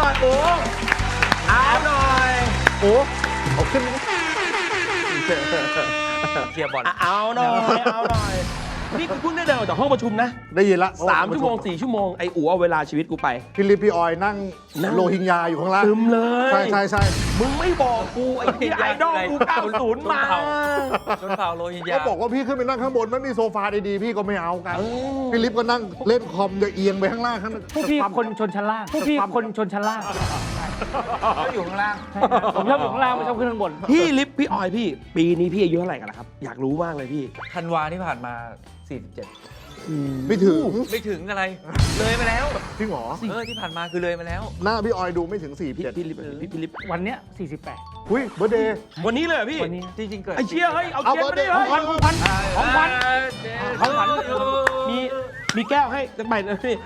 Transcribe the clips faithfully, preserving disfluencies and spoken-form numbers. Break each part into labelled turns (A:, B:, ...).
A: อยโอ้เอาหน่อยโอ้เอาขึ้น
B: เชียร์บอล
A: เอาหน่อยเอาหน่อยนี่กูเพิ่งได้เดินออกจากห้องประชุมนะ
C: ได้ยินละ
A: สามชั่วโมงสี่ชั่วโมงไอ้อู๋เอาเวลาชีวิตกูไป
C: พี่ลิปพี่ออยนั่งโรฮิงญาอยู่ข้างล่าง
A: ซึมเลย
C: ใช่ใช่ใช่
A: มึงไม่บอกกูไอ้ที่ไอดอลกูเก้าสิบมา
B: จนเผาโรฮิงญา
C: ก็บอกว่าพี่ขึ้นไปนั่งข้างบนไม่มีโซฟาดีๆพี่ก็ไม่เอากันพี่ลิปก็นั่งเล่นคอมจะเอียงไปข้างล่างข้าง
D: ผู้พี่คนชนชั้นล่างผู้พี่คนชนชั้นล่าง
B: ก็อยู่ข้างล่าง
D: ผมชอบอยู่ข้างล่างไม่ชอบขึ้นข้างบน
A: พี่ลิฟพี่ออยพี่ปีนี้พี่อายุเท่าไหร่กันล่ะครับอยากรู้มากเลยพี่
B: ธันวาที่ผ่านมาสี่สิบเจ็ด
C: ไม่ถึง
B: ไม่ถึงอะไรเลยไปแล้ว
C: จริงเหรอ
B: เออที่ผ่านมาคือเลยไปแล้ว
C: หน้าพี่ออยดูไม่ถึงสี่
A: พี่พี่ลิฟพี่พี่ลิฟ
D: วันเนี้ยสี่สิบแปด
C: อุ้ยเบอร์เดย์
A: วันนี้เลยพี่
D: วันนี้
B: จริงๆเกิด
A: ไอเชียเฮ้ยเอาเชียร์มาดิ
D: ของขวัญของขวัญของขวัญของขวัญ
A: มีมีแก้วให้สักใบนะพี่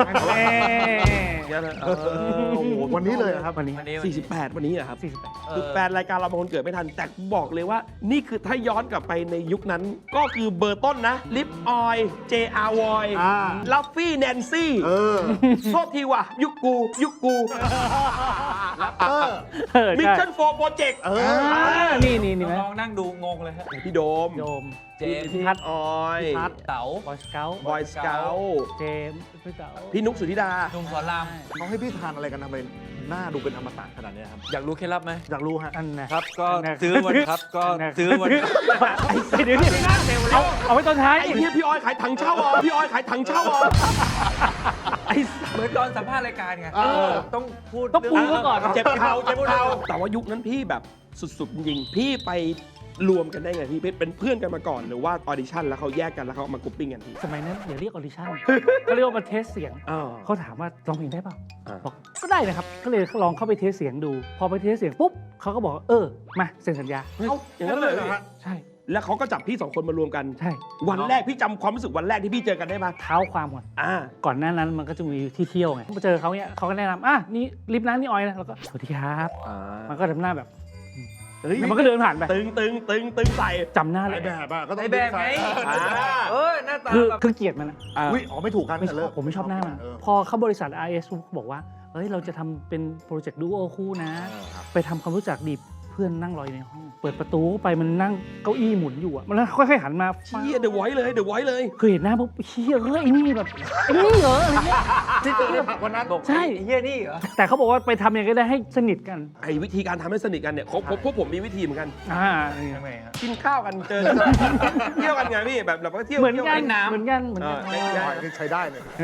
C: วันนี้เลยครับ
D: วันนี้
A: สี่สิบแปดวันนี้อะครับ
D: สี่สิบแปด
A: คือแฟนรายการเราบางคนเกิดไม่ทันแต่บอกเลยว่านี่คือถ้าย้อนกลับไปในยุคนั้นก็คือเบอร์ต้นนะลิปออยเจอาร์วอยลัฟฟี่แนนซี่โทษทีว่ะยุคกูยุคกูมิชชั่นโฟร์โปรเจกต์
D: นี่นี่นี่ไหม
B: น้องนั่งดูงงเลยฮะ
A: พี่โดม
D: โดม
B: เจม
A: พี่พัดออย
B: พี่พัดเต๋า
D: บอยสเกล
A: บอยสเกล
D: เจมพี่เต๋า
A: พี่นุ๊กสุธิดา
B: หนุ่มสอนราม
C: เขาให้พี่ทานอะไรกันทำไมหน้าดูเป็นอมตะขนาดนี้ครับ
B: อยากรู้เคล็ดลับไหม
C: อยากรู้ฮะ
D: อันนะครับ
B: ก็ซื้อวันครับก็ซื้อวัน
D: ไอ้เดี๋ยวนี่เอาเอาไว้ตอนท้าย
A: ไอ้พี่พี่ออยขายถังเช่าอ่ะพี่ออยขายถังเช่าอ่ะ
B: ไอ้เหมือนตอนสัมภาษณ์รายการไงต้องพูด
D: ต้องปูก่อน
A: เจ็บเข่าเจ็บเข่าแต่ว่ายุคนั้นพี่แบบสุดๆจริงพี่ไปรวมกันได้ไงพี่เป็นเพื่อนกันมาก่อนหรือว่าออดิชั่นแล้วเขาแยกกันแล้วเขามากรุ๊ปปิ้งกันพี่
D: สมัยนั้นอย่าเรียกออดิชั่นเขาเรียกว่ามาเทสเสียงเขาถามว่าร้องเพลงได้เปล่าบอกก็ได้นะครับก็เลยลองเข้าไปเทสเสียงดูพอไปเทสเสียงปุ๊บเขาก็บอกเออมาเซ็นสัญญา
A: อย่างนั้นเลย
D: ใช่
A: แล้วเขาก็จับพี่สองคนมารวมกัน
D: ใช่
A: วันแรกพี่จำความรู้สึกวันแรกที่พี่เจอกันได้ไหม
D: เท้าความก่อน
A: อ่า
D: ก่อนหน้านั้นมันก็จะมีที่เที่ยวไงพอเจอเขาเนี่ยเขาก็แนะนำอ่ะนี่ลิฟต์นั้นนี่ออยนะแล้วก็สวัสดีครับมันก็ทำหน้าแบบมันก็เดินผ่านไป
A: ตึงตึงตึงตึงใส่
D: จำหน้าเลย
C: แบบอ่ะก็ต้อง
B: แบบไงเออหน้าตา
D: คือคือเกลียดมันนะ
C: อุ้ยอ๋อไม่ถูกกัน
D: ไม่ชอบผมไม่ชอบหน้ามันพอเข้าบริษัท อาร์ เอส บอกว่าเฮ้ยเราจะทำเป็นโปรเจกต์ดูโอคู่นะไปทำความรู้จักดีเพื่อนนั่งรออยู่ในห้องเปิดประตูไปมันนั่งเก้าอี้หมุนอยู่อ่ะมันค่อยๆหันมา
A: เชี่ยเดี๋ยวไว้เลยเดี๋ยวไว้เลย
D: คือเห็นหน้าปุ๊บเชี่ยเฮ้ยไอ้นี่แบบไอ้นี่เหรออะไรเงี้ย
B: วันนั้นบอก
D: ใช่
B: เฮียนี่เหรอ
D: แต่เขาบอกว่าไปทำยังไงก็ได้ให้สนิทกัน
A: ไอ้วิธีการทำให้สนิทกันเนี่ยพวกพวกผมมีวิธีเหมือนกัน
D: อ่า
A: กินข้าวกันเจอเที่ยวกันไงพี่แบบแบบว่าเที่ยว
D: เหมือนกันเหมือนกันเหมือนกัน
C: ใช้ได้เลย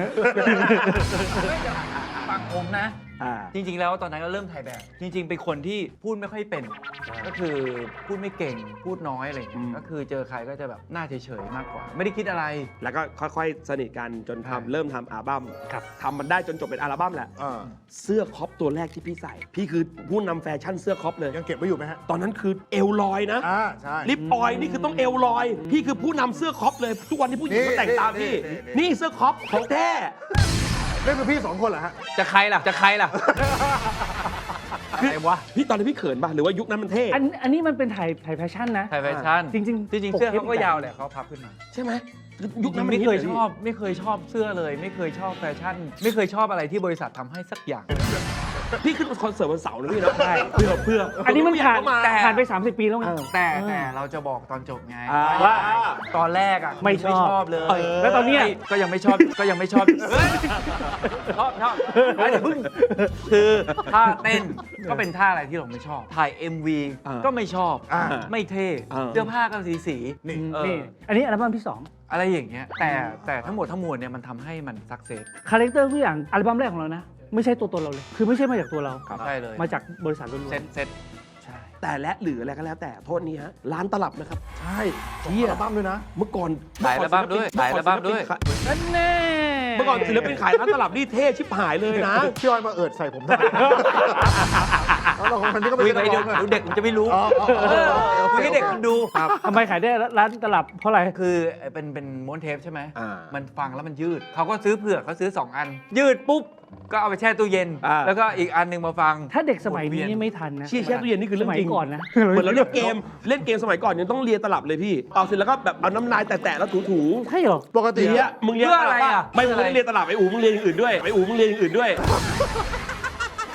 B: ฟังผมนะจริงๆแล้วตอนนั้นก็เริ่มถ่ายแบบจริงๆเป็นคนที่พูดไม่ค่อยเป็นก็คือพูดไม่เก่งพูดน้อยอะไรอย่างเงี้ยก็คือเจอใครก็จะแบบหน้าเฉยๆมากกว่าไม่ได้คิดอะไร
A: แล้วก็ค่อยๆสนิทกันจนทำเริ่มทำอัลบั้มทำมันได้จนจบเป็นอัลบั้มแหละเสื้อคอปตัวแรกที่พี่ใส่พี่คือผู้นำแฟชั่นเสื้อคอปเลย
C: ยังเก็บไว้อยู่ไหมฮะ
A: ตอนนั้นคือเอลลอยนะลิปออยนี่คือต้องเอลลอยพี่คือผู้นำเสื้อคอปเลยทุกวันที่ผู้หญิงเขาแต่งตามพี่นี่เสื้อคอปของแท้
C: นี่คือพี่สองคนเหรอฮะ
B: จะใครล่ะจะใครล่ะ
A: อะไรวะพี่ตอนนี้พี่เขินป่ะหรือว่ายุคนั้นมันเท่
D: อันอันนี้มันเป็นถ่ายถ่ายแฟชั่นนะ
B: ถ่ายแฟชั่น
D: จริงจริง
B: จริงเสื้อเขาก็ยาวแหละเขาพับขึ้นมา
A: ใช่ไหม
B: ยุคนั้นไม่เคยชอบไม่เคยชอบเสื้อเลยไม่เคยชอบแฟชั่นไม่เคยชอบอะไรที่บริษัททำให้สักอย่าง
A: พี่ขึ้นคอนเสิร์ตวันเสาร์นะพี่นะใช่เพื่อเพื่อ
D: อันนี้มันผ่านผ่านไปสามสิบปีแล้วไง
B: แต่แต่เราจะบอกตอนจบไงว่าตอนแรกอ่ะ
D: ไม่ชอบ
B: เลย
D: แล้วตอนนี้
B: ก็ยังไม่ชอบก็ยังไม่ชอบชอบชอบเดี๋ยวพึ่งคือท่าเต้นก็เป็นท่าอะไรที่เราไม่ชอบถ่าย เอ็ม วี ก็ไม่ชอบไม่เท่เสื้อผ้าก็สีสี
D: นี่อันนี้อัลบั้มที่สอง
B: อะไรอย่างเงี้ยแต่แต่ทั้งหมดทั้งมวลเนี่ยมันทำให้มันสักเซส
D: คาแรคเตอร์ทุกอย่างอัลบั้มแรกของเรานะไม่ใช่ตัวตนเราเลยคือไม่ใช่มาจากตัวเรา
B: ใช่เลย
D: มาจากบริษัทล้วน
B: ๆเซ็ตเซ็ต
A: ใช่แต่และหรืออะไรก็แล้วแต่โทษนี้ฮะร้านตลับนะครับ
C: ใช่ที่อัลบั้มด้วยนะ
A: เมื่อก่อน
B: ขายอัลบั้มด้วยขายอัลบั้มด้วย
D: นั่นแน่
A: เมื่อก่อนศิลปินขายร้านตลับนี่เท่ชิบหายเลยนะ
C: พี่ออยมาเอิดใส่ผมทำไมเราคนนี้ก็ไม่
B: ได้ดูเด็กมันจะไม่รู้คุยกับเด็กมันดู
D: ทำไมขายได้ร้านตลับเพราะอะไร
B: คือเป็นเป็นม้วนเทปใช่ไหมมันฟังแล้วมันยืดเขาก็ซื้อเผื่อเขาซื้อสองอันยืดปุ๊บก็เอาไปแช่ตู้เย็นแล้วก็อีกอันนึงมาฟัง
D: ถ้าเด็กสมัยนี้ไม่ทันนะ
A: แช่ตู้เย็นนี่คือเรื่องจริง
D: ก่อนนะ
A: เหมือนเราเล่นเกมเล่นเกมสมัยก่อนยังต้องเลียตลับเลยพี่เอาเสร็จแล้วก็แบบเอาน้ำลายแตะๆแล้วถูๆ
D: ใช่เหรอ
A: ปกติอ่ะมึงเลียอะไรอ่ะไม่มึงไม่ได้เลียตลับไอ้อูมึงเลียอย่างอื่นด้วยไอ้อูมึงเลียอย่างอื่นด้วย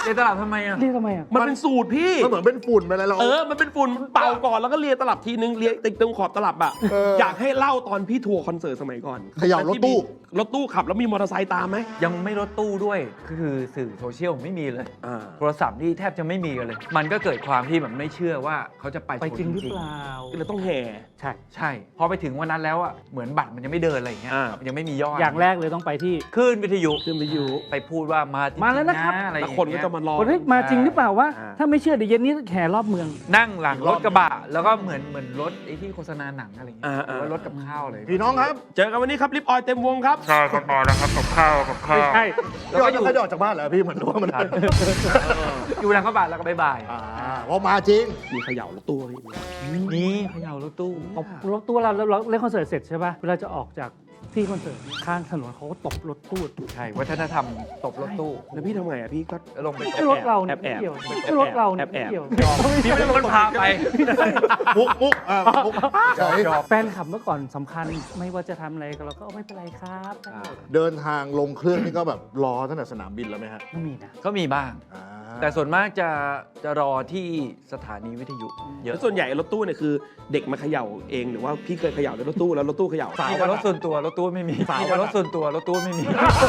B: เรียนตลับทำไมอ่ะ
D: เรียกทำไมอ่ะ
A: มันเป็นสูตรพี่
C: มันเหมือนเป็นฝุ่นไปอะไรเรา
A: เออ มันเป็นฝุ่นเป่าก่อนแล้วก็เลียตลับทีนึงเลียติดตรงขอบตลับอ่ะ
C: เออ
A: อ
C: อ
A: ยากให้เล่าตอนพี่ทัวร์คอนเสิร์ตสมัยก่อน
C: เขย่ารถตู้
A: รถตู้ขับแล้วมีมอเตอร์ไซค์ตามไหม
B: ยังไม่รถตู้ด้วยคือสื่อโซเชียลไม่มีเลย
A: อ่า
B: โทรศัพท์นี่แทบจะไม่มีกันเลย มันก็เกิดความที่แบบไม่เชื่อว่าเขาจะไป
D: ไปจริงหรือ
B: ชน
D: เปล่า
A: ก็เลยต้องแห่
D: ใช่
B: ใช่ พอไปถึงวันนั้นแล้วอ่ะเหมือนบัตรมันยังไม่เดินอะไรอย่างเงี้ย
A: อ่า
B: มันยังไม่มียอด
D: อย่างแรกเลยต้องไปที่
B: ขึ้นวิทยุ
A: ขึ้นไปอยู่
B: ไปพูดว่ามาจริงๆ
D: มาแล้วนะครับ
B: อะไรอ
A: แล้ว
B: ย่าง
A: คนก็
B: เงี้ย
A: จะมารอ
D: คนเฮ้ยมาจริงหรือเปล่าวะ
A: อ่า
D: ถ้าไม่เชื่อเดี๋ยวเย็นนี้แห่รอบเมือง
B: นั่งหลังรถกระบะแล้วก็เหมือนเหมือนรถไอ้ที่โฆษณาหนังอะไรอย่างเงี้ย
A: อ่า
B: หรือว่ารถกับข้าวเลย
C: พี่น้องครับ
A: เจอกันวันนี้ครับลิปออยเต็มวงครับ
B: ใช่ครับมาแล้วครับกับข้าวกับข้า
D: ไม่
B: ว
D: ใช่
B: แล้วก็อยู่
C: ไม่ได้ออกจากบ้านเหรอพี่เหมือนว่ามัน
B: อยู่หลังกระบะแล้วก็บายบาย
C: อ่าว่ามาจริง
A: มีเขย่ารถตู้พี่
B: นี่เขย่ารถตู้
D: ตบรถตู้เราเราเล่นคอนเสิร์ตเสร็จใช่ป่ะเวลาจะออกจากที่คอนเสิร์ตข้างถนนเขาก็ตบรถตู้
B: ใช่วัฒนธรรมตบรถตู้
A: แล้วพี่ทำไงอ่ะพี่ก็
B: แล้วลงไปต
D: ไอ้
B: บ
D: รถเราเนี่ย
A: แอบ
D: ไม่เกี่ยว
A: แอบ
D: ไอ้รถเราเนี่ย
A: แอบ
D: ไม่เกี่ยว
B: พี่ไม่ต้องพาไป
C: มุกมุกอ่ามุกใช่
D: แฟนขับเมื่อก่อนสำคัญไม่ว่าจะทำอะไรก็เราก็ไม่เป็นไรครับได้หมด
C: เดินทางลงเครื่องนี่ก็แบบรอตั้งแต่สนามบินแล้วไหมฮะ
D: ไม่มีนะ
B: ก็มีบ้าง
C: อ่า
B: แต่ส่วนมากจะจะรอที่สถานีวิทยุเย
A: แล้
B: อะ
A: วส่วนใหญ่รถตู้เนี่ยคือเด็กมาเขย่าเองหรือว่าพี่เคยเขย่าในรถตู้แล้วรถตู้เขย่า
B: มีแต่รถส่วนตัวรถตู้ไม่มีมีแต่รถส่วนตัวรถตู้ไม่มี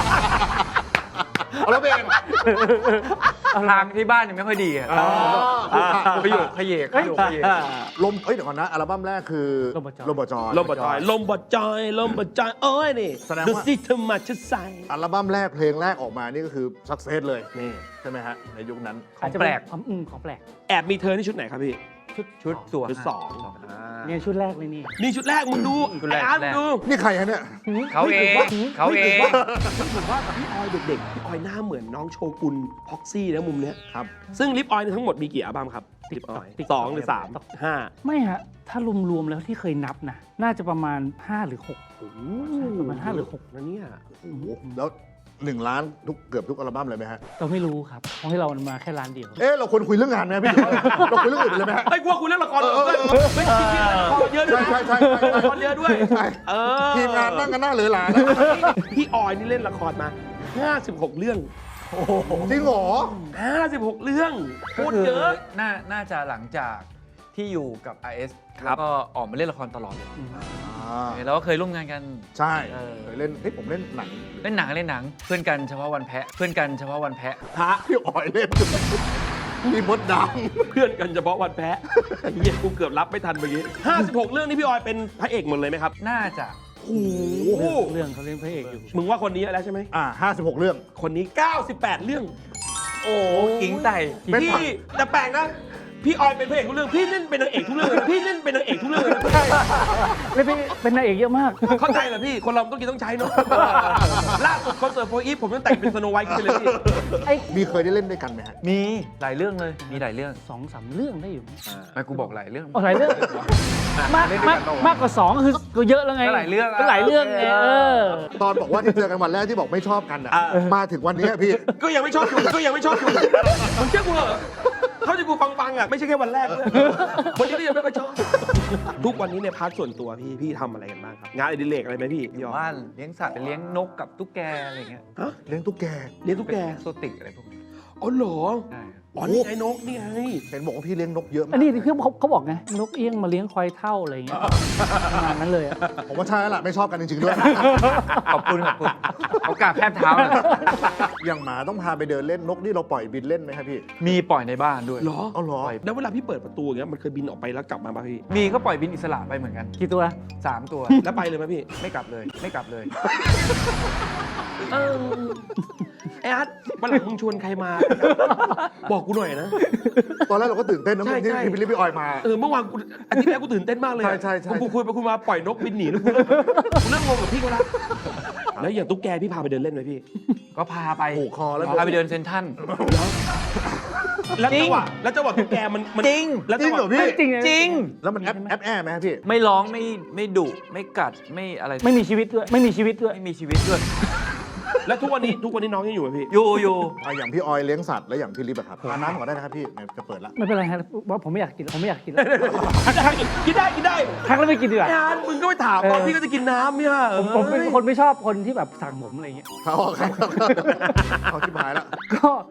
C: เอาแล้วเป็นไง
B: ทางที่บ้านยังไม่ค่อยดีอะ
C: อ๋ออ่า
B: ประโยคขยเยกประโยคขยเยก
C: ลมเอ้ยเดี๋ยวก่อนนะอัลบั้มแรกคือ
D: ลมบจอย
C: ลมบจอย
A: ลมบดจอยลมบดจอยลมบดจอยเอ้ยนี่
C: แสดง
A: ดู
C: ว่า
A: สิเธอมาจะใส่
C: อัลบั้มแรกเพลงแรกออกมานี่ก็คือสักเซสเลย
A: นี่
C: ใช่ไหมฮะในยุคนั้น
B: ของแปลก
D: ของอืมของแปลก
A: แอบมีเธอนี่ชุดไหนครับพี่
D: ชุด
B: ชุดตัว
A: ชุดสอง
D: เนี่ยชุดแรกเลยนี่
A: นี่ชุดแรกมึงดู
B: ชุดแรก
A: ไอ้อาร์ต
B: ชุดแรก
A: มึงดู
C: นี่ใครฮะเนี่ย
B: เขาเองเขาเอง
A: ผมว่าพี่ออยเด็กๆพี่ออยหน้าเหมือนน้องโชกุนพ็อกซี่นะมุมเนี้ย
C: ครับ
A: ซึ่งลิปออยเนี่ยทั้งหมดมีกี่อัลบั้มครับลิปออยสองหรือสามห้า
D: ไม่ฮะ ถ้ารวมๆแล้วที่เคยนับนะ น่าจะประมาณ ห้า หรือ หก ประมาณห้าหรือหก
A: นะเนี่ย
C: แล้วหนึ่งล้านทุกเกือบทุกอัลบั้มเลยไหมฮะ
D: เราไม่รู้ครับเพราะให้เรามาแค่ร้านเดียว
C: เอ๊ะเราควรคุยเรื่องงานไหมพี่ เราคุยเรื่องอื่นเลยไหมฮะ
A: ไอ้ยกลัวคุณเล่นละครเหรอ
C: เออเออเออ
A: ไม่จริงๆเล่นละครเยอะด้วย
C: ใช่
A: นะ
C: ใช่ใช่ใช่
A: ละครเยอะด้วย
C: ใช่
A: เออ
C: ทีมงานนั่งกันหน้าเหลือหลานะ
A: พี่ออยนี่เล่นละครมาห้าสิบหกเรื่อง
C: จริงเหรอ
A: ห้าสิบหกเรื่องโค
B: ก็
A: ตร
B: คือ
A: เยอะ
B: น่าน่าจะหลังจากที่อยู่กับ อาร์ เอส
A: ครับ
B: แล้วก็ออกมาเล่นละครตลอดเลย
C: อ่า
B: แล้วก็เคยร่วมงานกัน
C: ใช่
B: เออ
C: เคยเล่นเฮ้ยผมเล่นหนัง
B: เล่นหนังเล่นหนัง เพื่อนกันเฉพาะวันแพะ เพื่อนกันเฉพาะวันแพะ
A: พระ
C: พี่อ๋อยเล่นพี่มดด
A: เพื่อนกันเฉพาะวันแพ้ไอ้เหี้ยกูเกือบรับไม่ทันเมื่อกี้ห้าสิบหกเรื่องนี่พี่ออยเป็นพระเอกหมดเลยไหมครับ
B: น่าจะ
A: โอ้โห
D: เรื่องเขาเล่นพระเอกอยู่
A: มึงว่าคนนี้เยอะแล้วใช่ไหม
C: ำอ่าห้าสิบหกเรื่อง
A: คนนี้เก้าสิบแปดเรื่อง โอ้
B: กิ้งไต่
C: เป็น
A: พี่
C: ผัก
A: แต่แปลกนะ พี่ออยเป็นพระเอกทุกเรื่อง พี่เล่นเป็นนางเอกทุกเรื่องเลยนะพี่เล่นเป็นนางเอกทุกเรื่องเลยนะ
D: เล่นเป็นเป็นนางเอกเยอะมาก
A: เข้าใจเหรอพี่ คนเราต้องกินต้องใช้เนาะล่าสุดคอนเสิร์ตโฟอีฟผมต้องแต่งเป็นสโนไวท์ขึ้นไปเลยพี่
D: ไอ้
C: มีเคยได้เล่นด้วยกันไหมฮะ
B: มีหลายเรื่องเลย มีหลายเรื่อง
D: สองสามเรื่องได้อยู่มั้ย
B: ไม่กูบอกหลายเรื่อง
D: อ๋อหลายเรื่อง มากมากมากกว่าสองก็คือก็เยอะแล้วไง
B: ก็หลายเรื่อง
D: ก็หลายเรื่องไงเออ
C: ตอนบอกว่าที่เจอกันวันแรกที่บอกไม่ชอบกันอ่ะ
A: อ่า
C: มาถึงวันนี้พี่
A: ก็ยังไม่ชอบอยู่ก็ยังไม่ชอบอยู่มึงเชื่อกูเหรอเท่าที่กูฟังฟังๆอ่ะไม่ใช่แค่วันแรกด้วยวันนี้ก็ยังไม่ค่อยชอบ ทุกวันนี้ในพาร์ทส่วนตัวพี่พี่ทำอะไรกันบ้างครับ งานอดิเรกอะไรไหมพี่พี่ออย
B: บ้านเลี้ยงสัตว์เลี้ยงนกกับตุ๊กแกอะไรเงี้ย
A: ฮะ
C: เลี้ยงตุ๊กแก
A: เลี้ยงตุ๊กแก
B: โซติกอะไรพวกนี้
A: อ๋อเหรอ
B: ใช่
A: อ๋อนี่ไงนกนี่ไง
C: เห็นบอกว่าพี่เลี้ยงนกเยอะมา
D: อั
C: ก
D: นนี้ที่เขาเขาบอกไงนกเอี้ยงมาเลี้ยงควายเท่าอะไรอย่างเงี้ยประมาณนั้นเลยอะ
C: ผมว่าใช่แล้วล่ะไม่ชอบกันจริงๆด้วย
B: ขอบคุณขอบคุณโอกาสแทบเท้าเลย
C: อย่างหมาต้องพาไปเดินเล่นนกนี่เราปล่อยบินเล่นไหมครับพี่
B: มีปล่อยในบ้านด้วย
A: เหรอ
C: เอาเหรอ
A: แล้วเวลาพี่เปิดประตูอย่างเงี้ยมันเคยบินออกไปแล้วกลับมาป่ะพี่
B: มีก็ปล่อยบินอิสระไปเหมือนกัน
D: กี่ตัว
B: สามตัว
A: แล้วไปเลยไหมพี่
B: ไม่กลับเลย ไม่กลับเลย
A: เออไอ้อาร์ตวันหลังมึงชวนใครมา บอกกูหน่อยนะ
C: ตอนแรกเราก็ตื่นเต้นนะ
A: ใช่
C: ที่
A: ใช่
C: ที่พี่ลิปพี่ออยมา
A: เออเมื่อวานกูอาทิตย์แรกกูตื่นเต้นมากเลยอะ
C: ใช่ใช่ใช่
A: กูคุยไปคุยมาปล่อยนกบินหนีแล้วกูเริ่มกูเริ่มงงกับพี่เขาละแล้วอย่างตุ๊กแกพี่พาไปเดินเล่นไหมพี่
B: ก็พาไป
C: ผูกคอแล้ว
B: พาไปเดินเซ็นทรัล
A: แล้ว
B: จริ
A: จั
B: ง
A: งหวะแล้วจังหวะตุ๊กแกมันมัน
B: จริง
A: แล้ว
C: จริ
A: จั
C: ง
A: งห
C: เหร
A: วะ
C: อพี่
D: จริง
B: จริง
C: แล้วมันแอปแอปแอร์ไหมครับพี่
B: ไม่ร้องไม่ไม่ดุไม่กัดไม่อะไร
D: ไม่มีชีวิตด้วย ไม่มีชีวิตด้วย
B: ไม่มีชีวิตด้วย
A: แล้วทุกวันนี้ทุกวันนี้น้องยังอยู่ไหมพี่
B: อยู่อยู่
C: อ่ะอย่างพี่ออยเลี้ยงสัตว์แล้วอย่างพี่ลิปอะครับทานน้ำก่อนได้นะครับพี่เนี่ยจะเปิดละ
D: ไม่เป็นไรฮะว่าผมไม่อยากกินผมไม่อยากกินแล้ว
A: กินได้กินได้
D: ทักแล้วไม่กินดีกว่า
A: ไอ้อาร์ตมึงก็ไปถามตอน
D: เออ
A: พี่ก็จะกินน้ำเนี่ย
D: ผมผมเป็นคนไม่ชอบคนที่แบบสั่งผมอะไรเงี้ย
C: เขาออกครับเขาชิบหายแล้ว
D: ก็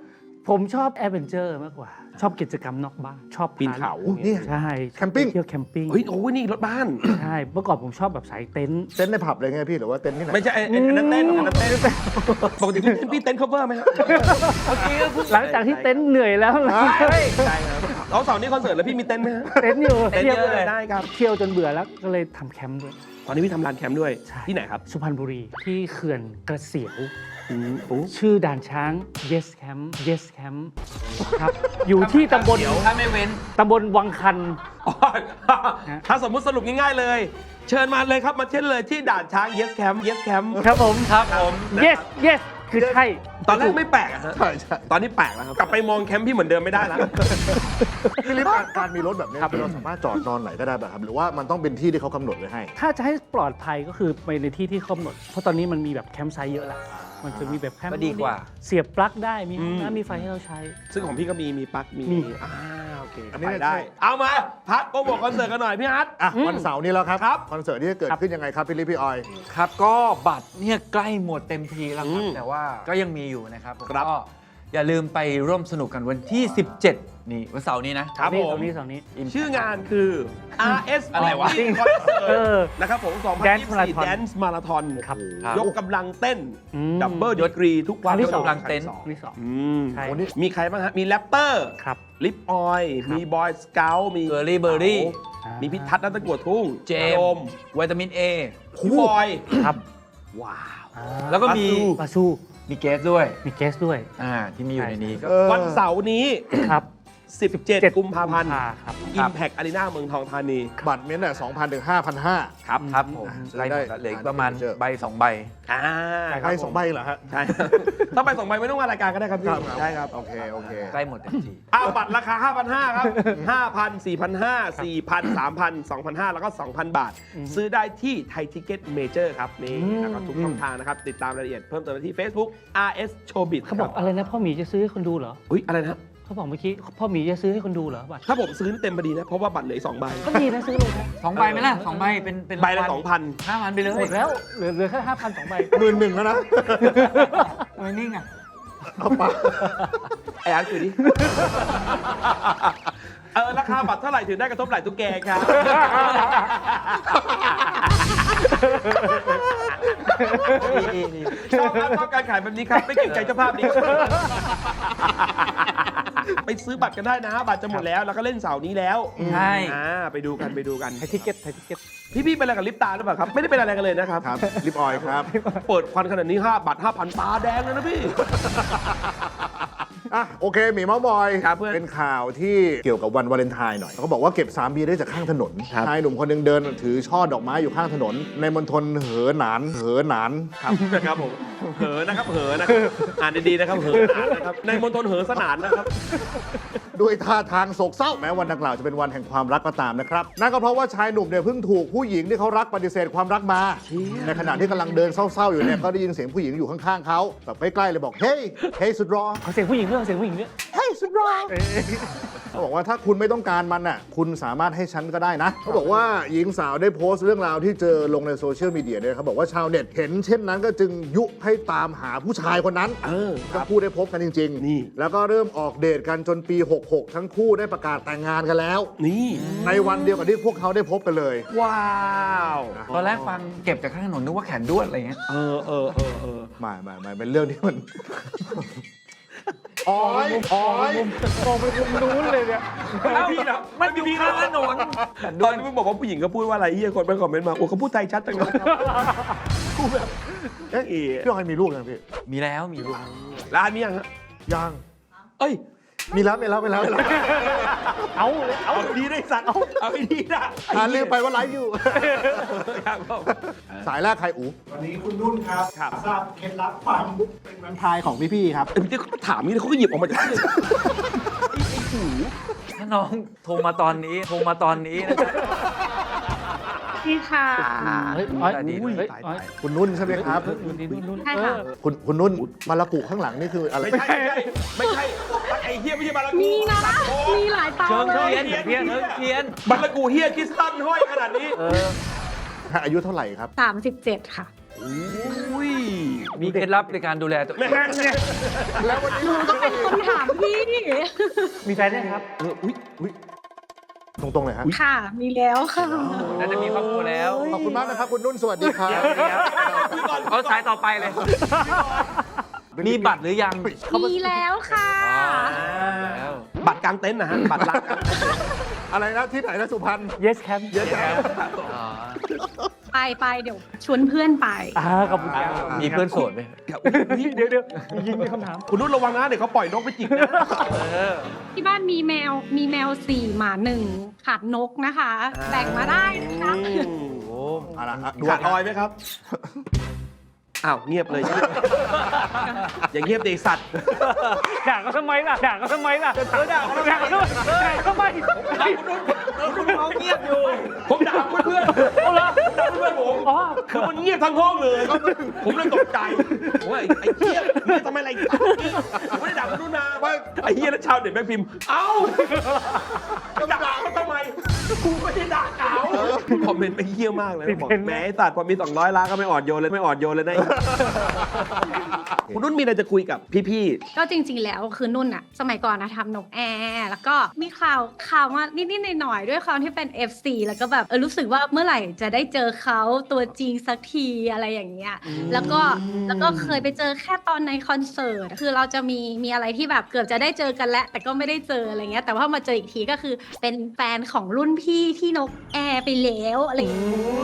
D: ผมชอบแอดเวนเจอร์มากกว่า ชอบกิจกรรมนอกบ้าน ชอบ
A: ปีนเขา
C: อุ๊ยนี่
D: ใช่
C: แคมปิ้ง
D: เที่ยวแคมปิ้ง
A: เฮ้ยโอ้ยนี่รถบ้าน
D: ใช่ เมื่อก่อนผมชอบแบบสายเต็นท์
C: เต้นในผับเลยไงพี่หรือว่าเต้นที่ไหน
A: ไม่ใช่ไอ้ไอ้อันนั้นเต้นอันนั้นเต้นปกติพี่พี่เต้น cover ไหมครับ
D: หลังจากที่เต็นท์เหนื่อยแล้วนะ
A: ใช่ครับเอาเสาร์นี้คอนเสิร์ตแล้วพี่มีเต้นไหมฮะ
D: เต็นท์อยู่
A: เต้น
D: เที่ยว
A: เยอะเลยได้ครับ
D: เที่ยวจนเบื่อแล้วก็เลยทำแคมป์ด้วย
A: ตอนนี้พี่ทำร้านแคมป์ด้วย
D: ใช่
A: ที่ไหนครับ
D: สุพรรณบุรีที่เขื่อนกระเสียว
A: อืมโอ้
D: ชื่อด่านช้าง yes camp yes camp ครับ อยู่ที่ตำบล
B: เดี๋ยวถ้าไม่เว้น
D: ตำบลวังคัน
A: อ๋อถ้าสมมุติสรุปง่ายๆเลย เชิญมาเลยครับมาเช่นเลยที่ด่านช้าง yes camp yes camp
D: ครับผม
B: ครับผม
D: yes yes คือใช่
A: ตอนแรกไม่แปลกอะฮะ
C: ใช่ใช่
A: ตอนนี้แปลกแล้วครับ กลับไปมองแคมป์พี่เหมือนเดิมไม่ได้แล้ว
C: พี่ลิฟต์การมีรถแบบนี้เราสามารถจอดนอนไหนก็ได้แบบครับหรือว่ามันต้องเป็นที่ที่เขากำหนดไว้ให้
D: ถ้าจะให้ปลอดภัยก็คือไปในที่ที่กำหนด เพราะตอนนี้มันมีแบบแคมป์ไซต์เยอะแล้ว มันจะมีแบบแคมป์
B: ก็ดีกว่า
D: เสียบปลั๊กได้ มีห้อง
A: อืม
D: น้ำมีไฟให้เราใช้
A: ซึ่งของพี่ก็มีมีปลั๊กมี
D: มี
A: อ่าโอเค
C: อันนี้
A: ไป
C: เนี่ย
A: ได้ เอามาพัดโปรโมทคอนเสิร์ตกันหน่อยพี่ฮัท
C: อ่ะวันเสาร์นี้แล้วครับ
A: ครับ
C: คอนเสิร์ตที่จะเกิด
D: ครับ
C: ขึ้นยังไงครับพี่ลิฟต์พี่ออย
B: ครับก็บัตรเนี่ยใกล้หมดเต็มทีแล้วครับ
A: อืม
B: แต่ว่าก็ยังมีอยู่นะครับผม
A: ครับ
B: ก็อย่าลืมไปร่วมสนุกกันวันที่ สิบเจ็ด นี่วันเสาร์นี้นะครับ
D: นี่
A: ผม
D: ตรงนี้ตรงนี้
A: ชื่องานคือ อาร์ เอส
B: อะไรวะ
A: คอนเสิร์
D: เออ
A: ตนะครับผม
D: Dance
A: สองพันยี่สิบสี่
D: Marathon
A: Dance Marathon
D: ครับ
B: ครับ
A: ยกกำลังเต้น
D: อืม
A: ดับเบิลดีกรีทุกวัน
D: ครั้งที่สอง
B: กำลังเต้น
A: ครั้ที่สอง
D: ที่สอง
A: อืม
D: ใช่
A: มีใครบ้างฮะ มีแรปเตอร์
D: ครับ
A: ลิปออย
D: ครับ
A: มีบอยสเกลมี
B: เกอร์ลี่เบอร์รี่
D: อ่ามี
A: มีพิทัศน์นัตตะกัวทุ่ง
B: เจ
A: โด
B: ม
A: ม
B: ส์วิตามินเอ
A: พี่บอย
D: ครับ
A: ว้าว
D: อ่า
B: แล้วก็มี
D: ปาซู
B: มีเกสด้วย
D: มีเกสด้วย
B: อ่าที่มีอยู่ในนี้ก็
C: เออ
A: วันเสาร์นี้
D: ครับ
A: สิบเจ็ด กุมภาพันธ์
D: ครับ
A: Impact Arena เมืองทองธานี
C: บัตรเม้นท์อ่ะสองพันถึงห้าพันห้า
A: ครับ
B: ครับผม
C: ซื้อ
B: ไล่ห
C: ได้
B: มดแล้วเหลืออีกประมาณ
C: เจอ
B: ใบสองใบ
A: อ่า
C: ใบสองใบเหรอฮะ
A: ใช่ ถ้าไปสองใบไม่ต้องมารายการก็ได้ครับพี่ ใช่ครับ
C: โอเคโอเค
B: ใกล้หมดเต็มที
A: อ้าวบัตรราคา ห้าพันห้าร้อย ครับ ห้าพัน สี่พันห้าร้อย สี่พัน สามพัน สองพันห้าร้อย แล้วก็ สองพัน บาท ซื้อได้ที่ไทยทิเก็ตเมเจอร์ครับ นี่
D: อืม
A: แล้วก็ทุกช่องทางนะครับ ติดตามรายละเอียดเพิ่มเติมได้ที่ Facebook อาร์ เอส Showbiz
D: เขาบอกอะไรนะพ่อหมีจะซื้อให้คนดูเหรอ
A: อุ้ยอะไรนะ
D: เขาบอกเมื่อกี้พ่อหมีจะซื้อให้คนดูเหรอบัตร
A: ถ้าผมซื้อเต็มพอดีนะ เพราะว่าบัตรเหลืออกสองใบ
D: ก็ดีนะซื้อเลยนะ
B: สองใบไหมล่ะสองใบเป็นเป็น
A: ใบละสองพัน
B: ห้าพันไปเลย
D: หมดแล้วเหลือเหลือแค่ห้าพันสองใบ
C: หมื่นหนึ่งแล้วนะ
B: ทำไมนิ่งอ่ะ
C: เอาไป
A: ไอ้อันคือดิ เออ ราคาบัตรเท่าไหร่ถึงได้กระทบไหล่ตุ๊กแกครับ ชอบครับชอบการขายแบบนี้ครับ ไม่เกรงใจเจ้าภาพนี้ ไปซื้อบัตรกันได้นะ บัตรจะหมดแล้ว แล้วก็เล่นเสาร์นี้แล้ว
B: ใช่
A: อ่าไปดูกันไปดูกัน
D: ไทยทิเก็ตไทยทิเก็ต
A: พี่พี่ๆเป็นอะไรกับลิปตาหรือเปล่าครับ ไม่ได้เป็นอะไรกันเลยนะครับ
C: ครับลิปออยครับ
A: เปิดควันขนาดนี้ห้าบัตรห้าพันตาแดงเลยนะพี่
C: อ่ะโอเคหมีเมาส์บอย
A: ครับเพื่อน
C: เป็นข่าวที่เกี่ยวกับวันวาเลนไทน์หน่อยเขาบอกว่าเก็บสามเบียร์ได้จากข้างถนน
A: ครับ
C: ชายหนุ่มคนหนึงเดินถือช่อดอกไม้อยู่ข้างถนน ในมณฑลเหอหนานเหอหนาน
A: ครับนะครับผมเหอนะครับเหอนะครับอ่านดีๆนะครับเหอหนานนะครับในมณฑลเหอสนานนะครับ
C: ด้วยท่าทางโศกเศร้าแม้วันดังกล่าวจะเป็นวันแห่งความรักก็ตามนะครับนั่นก็เพราะว่าชายหนุ่มเนี่ยเพิ่งถูกผู้หญิงที่เขารักปฏิเสธความรักมา
A: เชี่ย
C: ในขณะที่กำลังเดินเศร้าๆอยู่เนี่ยก็ได้ยินเสียงผู้หญิงอยู่ข้างๆเขาแบบใกล้ๆเลยบอกเฮ้ยเฮ้ยสุดรอ
D: ขอเสียงผู้หญิงด้วยขอเสียงผู้หญิงด้วย
C: เฮ้ยสุดรอเขาบอกว่าถ้าคุณไม่ต้องการมันน่ะคุณสามารถให้ฉันก็ได้นะเขาบอกว่าหญิงสาวได้โพสต์เรื่องราวที่เจอลงในโซเชียลมีเดียเนี่ยเขาบอกว่าชาวเน็ตเห็นเช่นนั้นก็จึงยุให้ตามหาผู้ชายคนนั้น
A: เออค
C: ทั้
A: รับ
C: งคู่ได้พบกันจริง
A: นี่
C: แล้วก็เริ่มออกเดทกันจนปี หกหก ทั้งคู่ได้ประกาศแต่งงานกันแล้ว
A: นี่
C: ในวันเดียวกับที่พวกเขาได้พบกันเลย
A: ว้าว
B: ตอนแรกฟังเก็บจากข้างถนนนึกว่าแขนด้วนอะไรเงี้ย
A: เออเออเออเออ
C: ไม่ไม่ไม่เป็นเรื่องที่มัน อ๋อยอ๋อย
D: มองไปมุมนู้นเลยเนี่ย
A: พี่นะ
B: มันอยู่ข้างถนน
A: ตอนที่มึงบอกว่าผู้หญิงก็พูดว่าอะไรเฮียคนไปคอมเมนต์มาโอ้เขาพูดไทยชัดจังเลยกูแบบเอ๊ะ
C: พี่ออยมีลูกยังพี่
B: มีแล้วมีลูก
A: ร้านมียังฮะ
C: ยัง
A: เอ้ย
C: มีแล้วมีแล้วมีแล้วมีแล้ว
D: เอาเลยเอา
A: เอาดีได้สัตว์เอาไปดีนะ
C: อ่าลืมไปว่าไลฟ์อยู่
A: ครับผม
C: สายแรกใครอู
E: วันนี้คุณนุ่นครับ
A: ครับ
E: ทราบเคล็ดลับความเป็นวันพายของพี่ๆครับ
A: เดี๋ยวเขาถามนี่เขาก็หยิบออกมาจากที่ไอ้ไอ้หู
B: ถ้าน้องโทรมาตอนนี้โทรมาตอนนี้นะ
F: พี่ค่ะ
D: เฮ้ยอ้อย
B: ดี
D: อุ้ย
B: ดี
D: เฮ้ยอ้อย
C: คุณนุ่นใช่ไหมครับ
D: นุ่นนุ่นนุ่น
F: ใช่ค่ะ
C: คุณคุณนุ่นมาละกุข้างหลังนี่คืออะไร
A: ไม่ใช่ไม่ใช่ไม่ใช่ไอ้เฮียไม่ใช่บารากู
F: มีนะ มีหลายเตา
B: เชิง
F: เล
B: เที
F: ย
B: ยนเทียนเชิงเทียน
A: บารากูเฮียคริสตันห้อยขนาดนี้
C: อายุเท่าไหร่ครับ
F: สามสิบเจ็ดค่ะ
A: อุ้ย
B: มีเคล็ดลับในการดูแลตัวเอง
A: แม่เนี่ย
C: แล้ววันนี้
F: หนูก็เป็นคนถาม
D: มีแฟนยังครับ
A: เอออุ้ยอุ้ย
C: ตรงๆเลยฮะ
F: ค่ะ มีแล้วค่ะ
B: น่าจะมีครอบครัวแล้ว
C: ขอบคุณมากนะครับ คุณนุ่นสวัสดีครับ
B: เอาสายต่อไปเลย มีบัตรหรือยัง
F: มีแล้วค่ะ
B: แล้ว
A: บัตรกลางเต็นท์นะฮะ บัตรรักกลางเต็นท์
C: อะไรนะที่ไหนนะสุพรรณ
D: yes camp
C: เยอะแยะ
B: อ๋อ
F: ไปไปเดี๋ยวชวนเพื่อนไป
D: อ่าขอบคุณครับ
B: มีเพื่อนโสดไหม
D: เดี๋ยวเดี๋ยวยิงมีคำถาม
A: คุณนุ่นระวังนะ เดี๋ยวเขาปล่อยนกไปจิกนะ
F: ที่บ้านมีแมว มีแมวสี่หมาหนึ่งขาดนกนะคะ แบ่งมาได้นะคะ
A: อืม
B: โอ้
C: เอาละฮะดู
A: ขาดออยไหมครับ อ้าว เงียบเลย อย่างเงียบเด็กสัตว์
D: ด่าเขาทำไมล่ะ ด่าเขาทำไมล่ะเออด่าเขาด่าเขาทำไมด่าเขาทำไม
B: เขาเงียบอยู่
A: ผมด่าเพื่อนๆเอาละผมด่าเพื่อนๆผม
D: อ๋อ
A: คือมันเงียบทั้งห้องเลย ผมเลยตกใจผมว่าไอ้ไอ้เหี้ยเงียบทำไมอะไรอีกผมไม่ได้ด่าคุณนุ่นนะว่าไอ้เหี้ยแล้วชาวเน็ตแม่งพิมพ์ เอ้าจะด่าเขาทำไมกูไม่ได้ด่าเขาคอมเมนต์ไปเหี้ยมากเลยนะบอกแหมไอ้สัตว์พอมีสองร้อยล้านก็ไม่อ่อนโยนเลยไม่อ่อนโยนเลยนะคุณนุ่นมีอะไรจะคุยกับพี่ๆ
F: ก็จริงๆ แล้วคือนุ่นอะสมัยก่อนนะทำนกแอร์แล้วก็มีข่าวข่าวมานิดๆหน่อยๆด้วยความที่เป็น เอฟ ซี แล้วก็แบบเออรู้สึกว่าเมื่อไหร่จะได้เจอเขาตัวจริงสักทีอะไรอย่างเงี้ยแล้วก็แล้วก็เคยไปเจอแค่ตอนในคอนเสิร์ตคือเราจะมีมีอะไรที่แบบเกือบจะได้เจอกันแล้วแต่ก็ไม่ได้เจออะไรเงี้ยแต่ว่ามาเจออีกทีก็คือเป็นแฟนของรุ่นพี่ที่นกแอร์ไปแล้วอะไรอย่างเงี้ย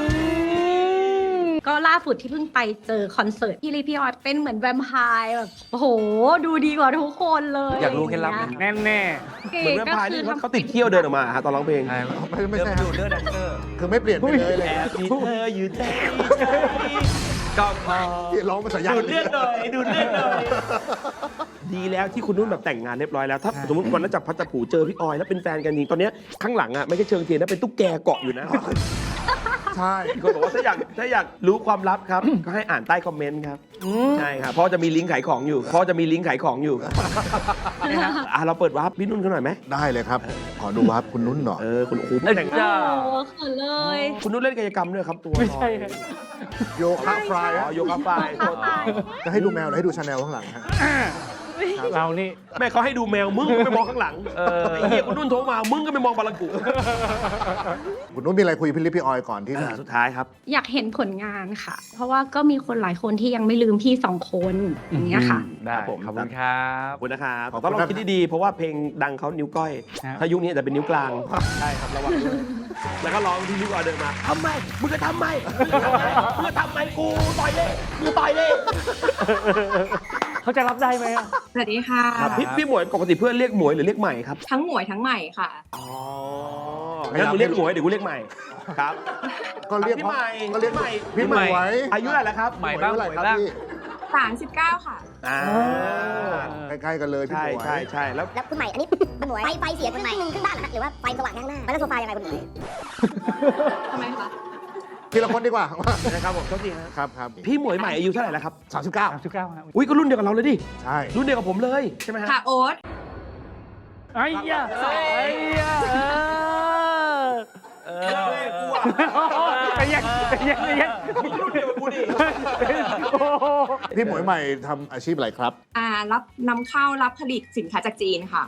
F: ก็ล่าสุดที่เพิ่งไปเจอคอนเสิร์ตพี่ลีพี่ออดเป็นเหมือนแวมไพร์แบบโอ้โหดูดีกว่าทุกคนเลย
B: อยากรู้เคล็ดลับไหม
D: แน่แน่
A: เหมือนแวมไพร์นี่เขาติดเขี้ยวเดินออกมาฮะตอนร้องเพลง
B: ใช่
C: ไม่ไม่ใช่
B: เดิ
C: ฮะ
B: นดูเนื้อแดนเซอร์
C: คือไม่เปลี่ยนไปเลยเลย
A: แอบมีเธออยู่ใจก็พอ
C: ที่ร้องภาษายา
A: ดูดเลือดหน่อยดูดเลือดหน่อยดีแล้วที่คุณนุ่นแบบแต่งงานเรียบร้อยแล้วถ้าสมมติวันนั้นจับพัดจับผูเจอพี่ออยแล้วเป็นแฟนกันจริงตอนเนี้ยข้างหลังอ่ะไม่ใช่เชิงเทียนนะเป็นตุ๊กแกเกาะอยู่นะ
C: ใช่
A: มีคนบอกว่าถ้าอยากถ้าอยากรู้ความลับครับ ก็ให้อ่านใต้คอมเมนต์ครับใช่ครับเพราะจะมีลิงก์ขายของอยู่เพราะจะมีลิงก์ขายของอยู่อ่ะเราเปิดวาร์ปพี่นุ่นเขาหน่อยไหม
C: ได้เลยครับ ขอดูวาร์ปคุณนุ่นหน่อย
A: เออคุณโอ้โห
B: เอ้ย
A: แต่ง
B: จ้า
F: โอ้เขินเลย
A: คุณนุ่นเล่นกายกรรมด้วยครับตัว
D: ไม่ใช่ครับ
C: โยคะฟราย
A: อ๋อโยคะไฟ
C: จะให้ดูแมวหรือให้ดูชาแนลข้างหลังฮะ
D: เรานี่
A: แม่เขาให้ดูแมวมึงก็ไปมองข้างหลัง
B: เออ
A: ไอ้เหี้ยคุณนุ่นโทรมามึงก็ไปมองบาลังกุ
C: คุณนุ่นมีอะไรคุยกับพี่ลิปพี่ออยก่อนที่จะ
A: สุดท้ายครับ
F: อยากเห็นผลงานค่ะ เพราะว่าก็มีคนหลายคนที่ยังไม่ลืมพี่สองคนอย่างเงี้ยค่ะ
B: ได้
A: ครับผม
B: ขอบคุณครับ
A: ขอบคุณนะครับต้องลองคิดดีๆ เพราะว่าเพลงดังเขานิ้วก้อย
D: ครับ
A: ถ้ายุคนี้อาจจะเป็นนิ้วกลาง ใช่ครับระวังด้วยแล้วก็ร้องที่นิ้วก้อยเดินมาทำไมมึงจะทำไมมึงจะทำไมกูต่อยเลยกูต่อยเลย
D: เขาจะรับได้ไหมอะ
G: สวัสดีค่ะ
A: ครับพี่พี่หมวยปกติเพื่อนเรียกหมวยหรือเรียกใหม่ครับ
G: ทั้งหมวยทั้งใหม่ค่ะ
A: อ๋องั้นกูเรียกหมวยเดี๋ยวกูเรียกใหม่ครับ
C: ก็เรียก
A: พี่ใหม่
C: ก็เรียก
A: พี่ใหม่
C: พี่ใหม่ไว้
A: อายุเท่าไหร่แล้วครับ
B: ใหม่บ้าง
C: เท่ไหร่
B: หมวย
C: ครับ
B: บ้าง
C: พี่
G: สามสิบเก้าค่ะ
A: อ่า
C: ใกล้ๆกันเลยพี่
A: ใช่
C: หมวย
A: ใช่ใช่แล้ว
H: แล้วคุณใหม่ อันนี้คุณหมวยไฟไฟเสียครึ่งหนึ่งครึ่งบ้านเหรอฮะหรือว่าไฟสว่างข้างหน้าแล้วโซฟายังไงคุณหมวย
G: ทำไมคะ
C: ทีละคนดีกว่า
A: นะครับผมโทษทีครับ
C: ครับครับ
A: พี่หมวยใหม่อายุเท่าไหร่แล้วครับ
C: สามสิบเก้า
D: สามสิบเก้าครับ
A: อุ้ยก็รุ่นเดียวกับเราเลยดิ
C: ใช่
A: รุ่นเดียวกับผมเลยใช่ไหมฮะ
G: ค่ะโอ๊ต
D: ไอ้ยะไอ้ยะเออ
B: เอ
A: เอ
B: อ
A: อกูอ่ะ
D: ไอ้ยังไอ้ยังไอ้ยัง
A: มึงรุ่นเดียวกับกูดิ
D: โอ้โห
C: พี่หมวยใหม่ทำอาชีพอะไรครับ
G: อ่ารับนำเข้ารับผลิตสินค้าจากจีนค่ะ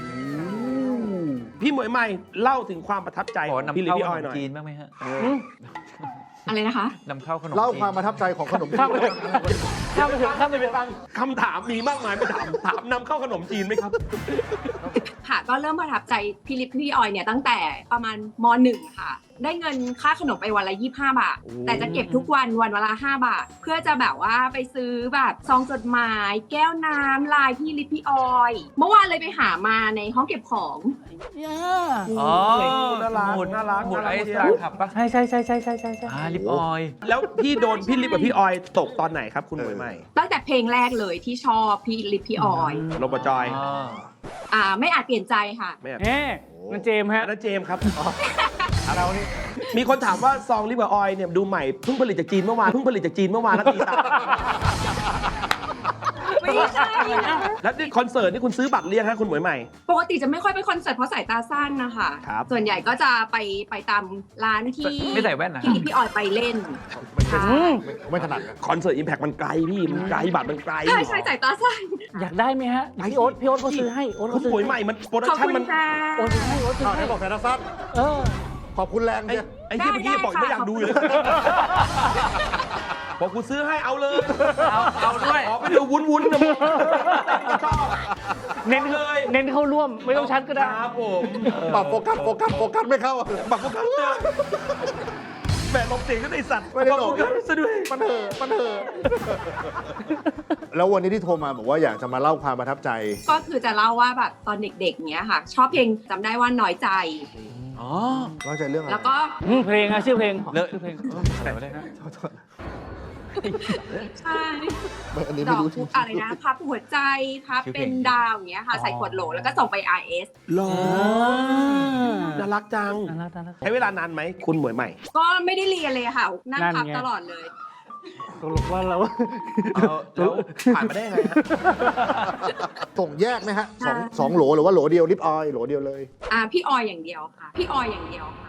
A: พี่หมวยใหม่เล่าถึงความประทับใจ
B: ขอ
A: ของ
B: นำ
A: พี่ลิ
B: เข้า
A: พี่
B: ข
A: ออย
B: น
A: ห
B: ม
A: น่อย
B: จีนบ้างไหมฮะ
G: อะไรนะคะ
B: นำเข้าขนม
C: เล่า
B: จีน
C: ความประทับใจของขนม
D: ข้ามไปเถอะข้ามไปเถอะข้ามไปเถอะ
A: คำถามมีมากมายไปถามถามนำเข้าขนมจีนไหมครับ
G: ค่ะ ก็เริ่มประทับใจพี่ลิปพี่ออยเนี่ยตั้งแต่ประมาณมหนึ่งค่ะ ได้เงินค่าขนมไปวันละยี่สิบห้าบาท
A: โอ้
G: แต่จะเก็บทุกวันวันเวลาห้าบาท เพื่อจะแบบว่าไปซื้อแบบซองจดหมาย แก้วน้ำลายพี่ลิปพี่ออย เมื่อวานเลยไปหามาในห้องเก็บของ
B: อ๋อ
A: น่ารัก
B: หมุด
A: น่ารัก
B: หมุด
A: น่า
B: ไอ
A: รัก
B: ซ์ร้านขับปะ
D: ใช่ใช่ใช่ใช่ใช่ใช่ใช่
B: อ่าลิปออยล์
A: แล้วพี่โดนพี่ลิปกับพี่ออยตกตอนไหนครับคุณหมวยใหม่
G: ตั้งแต่เพลงแรกเลยที่ชอบพี่ลิปพี่ออย
A: โรบอจอย
B: อ๋อ
G: อ่าไม่อาจเปลี่ยนใจค่ะ
A: ไม่อยาก
D: เอ๊ะนั่นเจมส์ฮะ
A: อันนั้นเจมส์ครับ
D: เรานี่
A: มีคนถามว่าซองลิปกับออยเนี่ยดูใหม่เพิ่งผลิตจากจีนเมื่อวานเพิ่งผลิตจากจีนเมื่อวานแล้วตีตา
G: ไม่ใช่นะ
A: แล้วนี่คอนเสิร์ตนี่คุณซื้อบัตรเรียงฮะคุณหมวยใหม่
G: ปกติจะไม่ค่อยไปคอนเสิร์ตเพราะสายตาสั้นนะคะ
A: ครับ
G: ส่วนใหญ่ก็จะไปไปตามร้านที่
B: ไม่ใส่แว่นนะ
G: ที่พี่ออยไปเล่นใช่
C: ไม่ถนัดนะ
A: คอนเสิร์ตอิมแพคมันไกลพี่มันไกลบัตรมันไกล
G: ใช่ใช่สายตาสั้น
D: อยากได้ไหมฮะพี่โอ๊ตพี่โอ๊ตเขาซื้อให้โอ๊ต
A: คุ
D: เขา
A: ณ
D: ซื้
A: ห
D: อ
A: มวยใหม่
D: ให้
A: มันโปรดั
G: ข
A: ก
G: อบ
A: ชั่น
G: คุ
A: มัน
G: ณค่ะ
D: โอ๊ตซื้อให้โอ๊ตซื้อ
C: อ้าว
D: ให้
C: ให้บอกแต่ละสั้น
D: เออ
C: ขอบคุณแรง
A: ไอ้
C: เชีย
A: ไอ้ที่เมื่อกี้บอกไม่อยากดูเลยบอกกูซื้อให้เอาเลย
B: เอาเอาด้วย
A: ขอไปดูวุ้นวุ้นๆนะมึงชอบ
D: เน้น
A: เลย
D: เน้นเข้าร่วมไม่ต้องชัดก็ได้
A: ครับผม
C: ปรับโฟกัสโฟกัสโฟกัสไม่เข้า
A: บักโฟกัสเลยแหมลบเสียงก็ได้สัตว์
C: ไม่ได้หลบ
A: บักโฟกัสซะด้วย
C: มันเถอะมันเถอะแล้ววันนี้ที่โทรมาบอกว่าอยากจะมาเล่าความประทับใจ
G: ก็คือจะเล่าว่าแบบตอนเด็กๆเนี้ยค่ะ ชอบเพลงจำได้ว่าน้อยใจ
B: อ๋อ
C: เข้าใจเรื่องอะไร
G: แล้วก็
D: อืมเพลงอะชื่อเพลง
B: เลอะ
D: ชื่อเพลง
B: อะไรวะเนี่ย
G: ใช่
C: ไม่อันนี้
G: ด
C: ไม่
G: อก
C: รู้
G: ทุกอะไรนะพับหัวใจพับเป็นดาวอย่างเงี้ยค่ะ ใส่ขวดโหลแล้วก็ส่งไป อาร์ เอส
A: หรอน่ารักจัง
D: น่ารักน่ารัก
A: ใช้เวลานานไหมคุณหมวยใหม่
G: ก็ไม่ได้เรียนเลยค่ะ นั่ง
D: นั่น
G: พับ
D: ไง
G: ตลอดเลย
D: ตกลงว่าเรา
A: แล้วผ่านมาได้ยังไงฮะ
C: ส่งแยกไหมฮะสองสองโหลหรือว่าโหลเดียวลิปออยล์โหลเดียวเลย
G: อ่าพี่ออยอย่างเดียวค่ะ พี่ออยอย่างเดียวค่ะ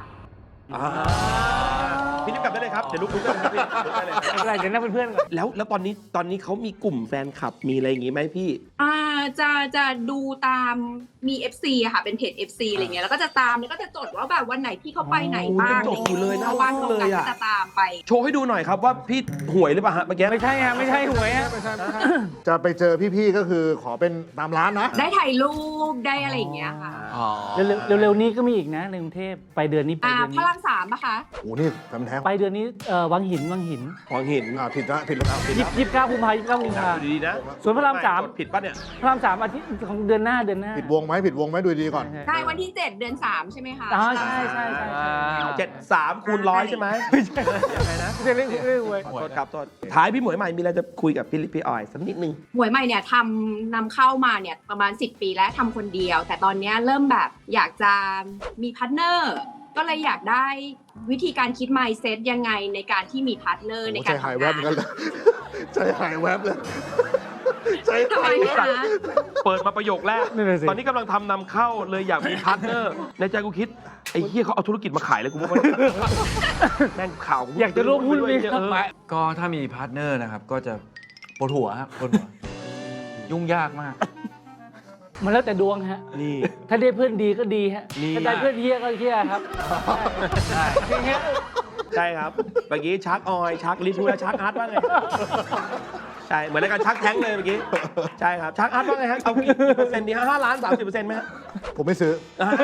A: พี่รีบกลับได้เลยครับ เดี๋ยวลุกลุกได้เลยครับพี่ลุกได้เลย
D: อะไรเดี๋ยวนั่งเป็นเพื่อนกัน
A: แล้วแล้วตอนนี้ตอนนี้เขามีกลุ่มแฟนคลับมีอะไรอย่างงี้ไหมพี่
G: อ่าจะจะดูตามมี เอฟ ซี อะค่ะ เป็นเพจ เอฟ ซี อะไรเงี้ยแล้วก็จะตามแล้วก็จะจดว่าแบบวันไหนพี่เขาไปไหนบ้าง
A: โอ้โหจดอยู่เลยน่ารัก
G: ว่างตรงกัน
A: เลยอะ
G: ก็จะตามไป
A: โชว์ให้ดูหน่อยครับว่าพี่หวยหรือเปล่าฮะเมื่อกี้
D: ไม่ใช่ฮะไม่ใช่หวยฮะ
C: จะไปเจอพี่ๆก็คือขอเป็นตามร้านนะ
G: ได้ถ่ายรูปได้อะไรอย่างเงี้ยค่ะ
B: อ๋อ
D: เร็วๆเร็วๆนี้ก็มีอีกนะในกรุงเทพไปเดือนนี้ไป
G: อ่า
D: เดือน
G: พ
D: นี้
G: ระรามสามปะคะ
C: โอ้นี่แฟนแท้ง
D: ไปเดือนนี้เอ่อวังหินวังหิน
A: ของหิน
C: อ่าผิดละผิดแล้วผิด
D: ยี่
C: แล้ว
D: สิบเก้ากุมภายี่สิบเก้ากุมภา
A: ดูดีๆนะ
D: ส่วนพระรามสาม
A: ผิดป่ะเนี่ย
D: พระรามสามอาทิตย์ของเดือนหน้าเดือนหน้า
C: ผิดวงไหมผิดวงไหมดูดีก่อน
G: ใช่วันที่เจ็ดเดือนสามใช่ไหมคะ
D: อ๋อใช่ใช่ใช่ใช่
A: เจ็ดสามคูณร้อยใช่ไหมไม่ใช่ยังไงนะ
D: เรื่องเรื่องเรื่องหวย
A: ขอโทษครับโทษท้ายพี่หมวยใหม่มีอะไรจะคุยกับพี่ลิปพี่ออยสักนิดนึง
G: หมวยใหม่เนี่ยทำนำเข้ามาเนี่ยประมาณสิบปีแล้วทำคนเดียว แต่ตอนเนี้ยเริ่มแบบอยากจะมีพาร์ทเนอร์ก็เลยอยากได้วิธีการคิด mindset ยังไงในการที่มีพาร์ทเนอร์ใน
C: โอ้
G: กา
C: ใจ
G: ร
C: หาย
G: ทำ
C: แวบ
G: งา
C: เหมือนกัน
G: น
C: เลยใจหายแวบเลยใจ
G: ทำไม
C: หายแวบ
G: คะ
A: เปิดมาประโยคแรก ตอนนี้กำลังทำนำเข้าเลยอยากมีพาร์ทเนอร์ ในใจกูคิด ไอ้เหี้ยเขาเอาธุรกิจมาขายเลยกูว่าแม่งข่าว
D: อยากจะร่วมหุ้นไหมครับ
A: เออ
B: ไม่ก็ถ้ามีพาร์ทเนอร์นะครับ ก็จะปวดหัวครับปวดหัว ยุ่งยากมาก
D: มันแล้วแต่ดวงฮะ
A: นี่
D: ถ้าได้เพื่อนดีก็ดีฮะ
A: นี่
D: ถ้าได้เพื่อนเฮี้ยก็เฮี้ยครับใช่อย่างเงี้ย
A: ใช่ครับ เมื่อกี้ชักออย ชักลิทูและชักอาร์ตว่าไง ใช่ เหมือนในการชักแท้งเลยเมื่อกี้ ใช่ครับ ชักอาร์ตว่าไงฮะ เอากี่เปอร์เซ็นต์ดีฮะห้าล้านสามสิบเปอร์เซ็นต์ไหมฮะ
C: ผมไม่ซื้อ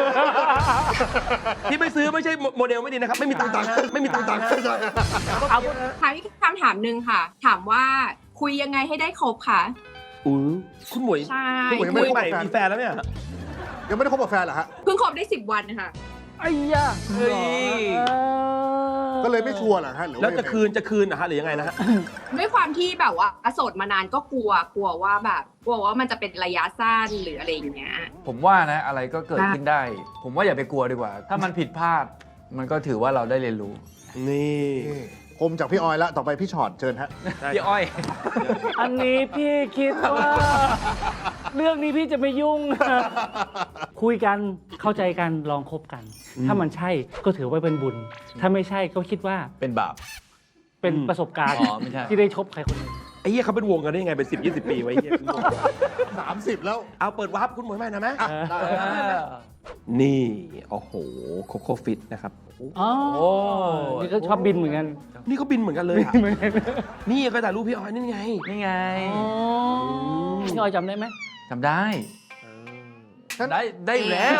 A: ที่ไม่ซื้อไม่ใช่โมเดลไม่ดีนะครับ ไม่มีตังค์นะไม่มีตังค์นะ
G: เอาถามอีกคำถามหนึ่งค่ะ ถามว่าคุยยังไงให้ได้ครบค่ะ
A: อู้คุณหมวย
G: ใช่
C: คุณหมวยยัง
A: หม
C: ไม่
A: วยใหม่มีแฟนแล้วเนี่ย
C: ยังไม่ได้คบกับแฟนเหรอฮะ
G: เพิ่งครบได้สิบวันค่ะ
D: ไอ้ยา
A: เฮ้ย
C: ก็เลยไม่ชัวร์เหรอฮะหรือ
A: แล้ว
C: ว่า
A: จะคืนจะคืนนะฮะหรือยังไงนะฮะ
G: ด้วยความที่แบบว่าโสดมานานก็กลัวกลัวว่าแบบกลัวว่ามันจะเป็นระยะสั้นหรืออะไรอย่างเงี้ย
B: ผมว่านะอะไรก็เกิดขึ้นได้ ผมว่าอย่าไปกลัวดีกว่า ถ้ามันผิดพลาด มันก็ถือว่าเราได้เรียนรู้
A: นี่
C: นี่คมจากพี่ออยแล้วต่อไปพี่ชอตเชิญฮะ
B: พี่อ้อย
D: อันนี้พี่คิดว่า เรื่องนี้พี่จะไม่ยุ่ง คุยกันเข้าใจกันลองคบกัน ถ้ามันใช่ก็ถือว่าเป็นบุญ ถ้าไม่ใช่ก็คิดว่า
B: เป็นบาป
D: เป็นประสบการณ์
B: อ๋อไม่ใช่
D: ที่ได้ชบใครคนหนึ่ง
A: ไอ้เหี้ยเขาเป็นวงกันได้ยังไงเป็นสิบยี่สิบปีไว้เหี้ยเป็นวง
C: สามสิบแล้ว
A: เอาเปิดวาร์ปคุณหมวยใหม่นะไหม
C: อ่ะได้
A: นี่ โอ้โห โคโค่ฟิตนะครับ
D: อ๋อ
B: โอ้
D: นี่ก็ชอบบินเหมือนกัน
A: นี่เขาบินเหมือนกันเลยอะนี่ก็ถ่ายรูปพี่ออยนี่ไง
B: นี่ไง
D: อ๋อพี่ออยจำได้ไหม
B: จำได้ ได้ได้อยู่แล้ว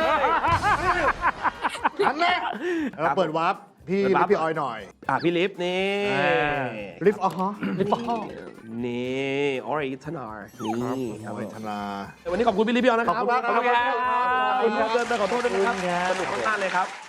C: อันแรกเราเปิดวาร์ปพี่
A: เปิดวาร์ป
C: พี่ออยหน่อย
A: อ่ะพี่ลิฟต์นี่
B: อ่า
C: ลิฟต์อ๋อฮะ
D: ลิปปอ
A: นี่ออริจินอลนี่ค
C: ค
A: รั
C: รั
A: บบ ผม
C: ธนา
A: วันนี้ขอบคุณพี่ลิฟต์พี่ออยนะครับ
C: ขอบคุณมากครับ
A: ขอบคุณครับขอโทษด้วยนะครับสนุกมากๆเลยครับ